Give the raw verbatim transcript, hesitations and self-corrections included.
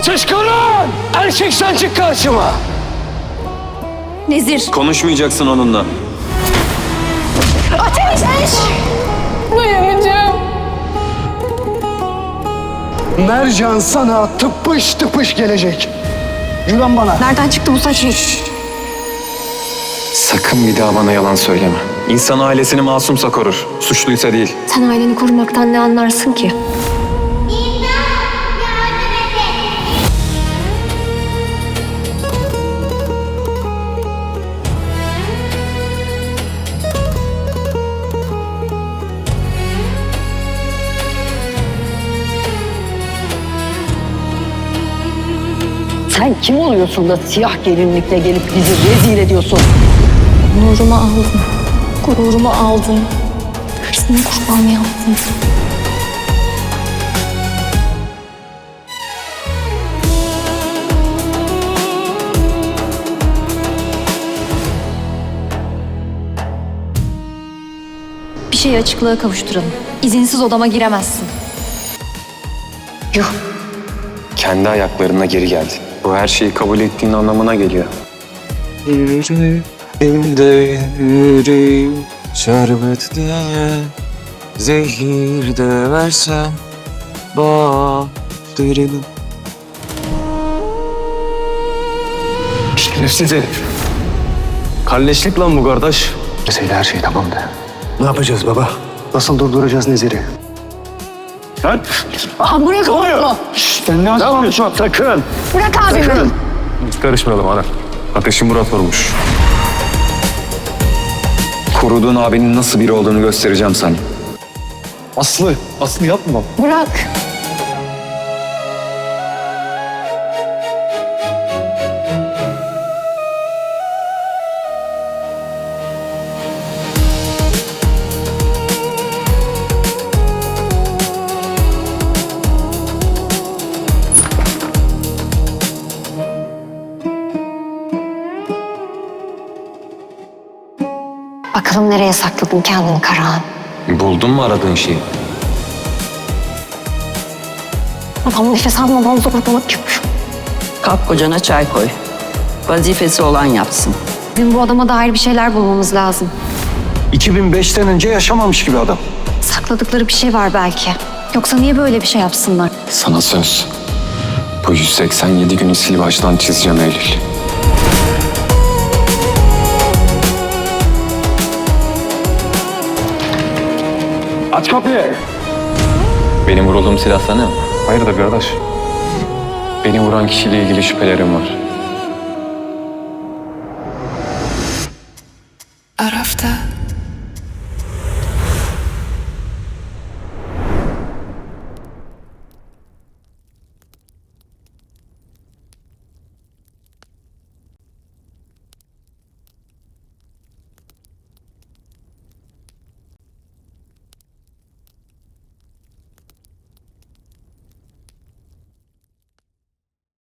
Ateş Karan! Erkek sen çık karşıma! Nezir. Konuşmayacaksın onunla. Ateş! Dayanacağım. Mercan sana tıpış tıpış gelecek. Güven bana. Nereden çıktı bu saçma? Sakın bir daha bana yalan söyleme. İnsan ailesini masumsa korur. Suçluysa değil. Sen aileni korumaktan ne anlarsın ki? Sen kim oluyorsun da siyah gelinlikle gelip bizi rezil ediyorsun? Nurumu aldın. Gururumu aldın. Hırsını kurban yaptın. Bir şeyi açıklığa kavuşturalım. İzinsiz odama giremezsin. Yuh. Kendi ayaklarına geri geldi. Bu her şeyi kabul ettiğin anlamına geliyor. Yüreğimde yüreğim şerbet diye zehir de versem batırını. Şerefsiz herif. Kalleşlik lan bu kardeş. Mesela her şey tamamdı. Ne yapacağız baba? Nasıl durduracağız Nezir'i? Lan! Aha bırak onu. Sen ne yapıyorsun? Sakın! Bırak abimi. Karışmayalım ana. Ateşi Murat vurmuş. Koruduğun abinin nasıl biri olduğunu göstereceğim sana. Aslı, Aslı yapma. Bırak. Bakalım nereye sakladın kendini Karahan? Buldun mu aradığın şeyi? Adam nefes almadan zorlamak yok. Kalk kocana çay koy. Vazifesi olan yapsın. Bizim bu adama dair bir şeyler bulmamız lazım. iki bin beşten önce yaşamamış gibi adam. Sakladıkları bir şey var belki. Yoksa niye böyle bir şey yapsınlar? Sana söz. Bu yüz seksen yedi günü sil baştan çizeceğim Eylül. Aç kapıyı. Benim vurulduğum silah sana mı? Hayırdır kardeş? Beni vuran kişiyle ilgili şüphelerim var.